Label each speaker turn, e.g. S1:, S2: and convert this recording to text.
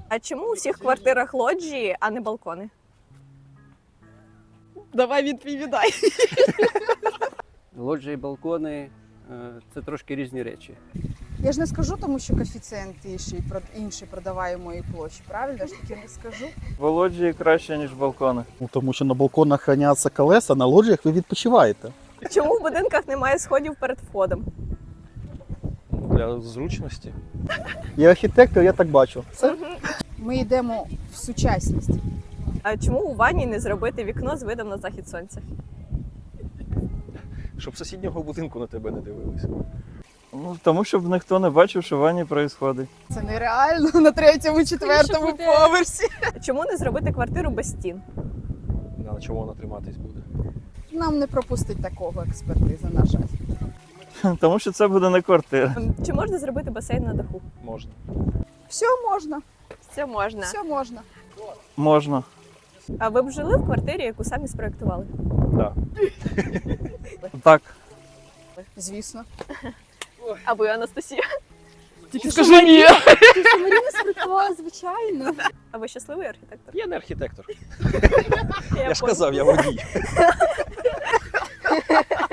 S1: А чому у всіх квартирах лоджії, а не балкони? Давай відповідай.
S2: Лоджії, балкони це трошки різні речі.
S3: Я ж не скажу, тому що коефіцієнт інший продаваємої площі, правильно? Я ж таки не скажу.
S4: Лоджії краще, ніж балкони.
S5: Ну, тому що на балконах храняться колеса, на лоджіях ви відпочиваєте.
S1: Чому в будинках немає сходів перед входом?
S4: Для зручності.
S5: Я архітектор, я так бачу. Все.
S3: Ми йдемо в сучасність.
S1: А чому у ванні не зробити вікно з видом на захід сонця?
S4: Щоб сусіднього будинку на тебе не дивилися. Ну, тому щоб ніхто не бачив, що в ванні відбувається.
S3: Це нереально на 3-му, 4-му поверсі.
S1: Чому не зробити квартиру без стін?
S4: На чому вона триматись буде?
S3: Нам не пропустить такого експертиза, на жаль.
S4: Тому що це буде не квартира.
S1: Чи можна зробити басейн на даху?
S4: Можна.
S3: Все можна,
S1: Це можна.
S3: все можна.
S4: Можна.
S1: А ви б жили в квартирі, яку самі спроектували?
S4: Так. Так.
S3: Звісно.
S1: А ви, Анастасія?
S3: Тільки
S4: скажи ні.
S3: Маріна спроектувала, звичайно.
S1: А ви щасливий архітектор?
S4: Я не архітектор.
S1: Я
S4: Я ж казав, я водій.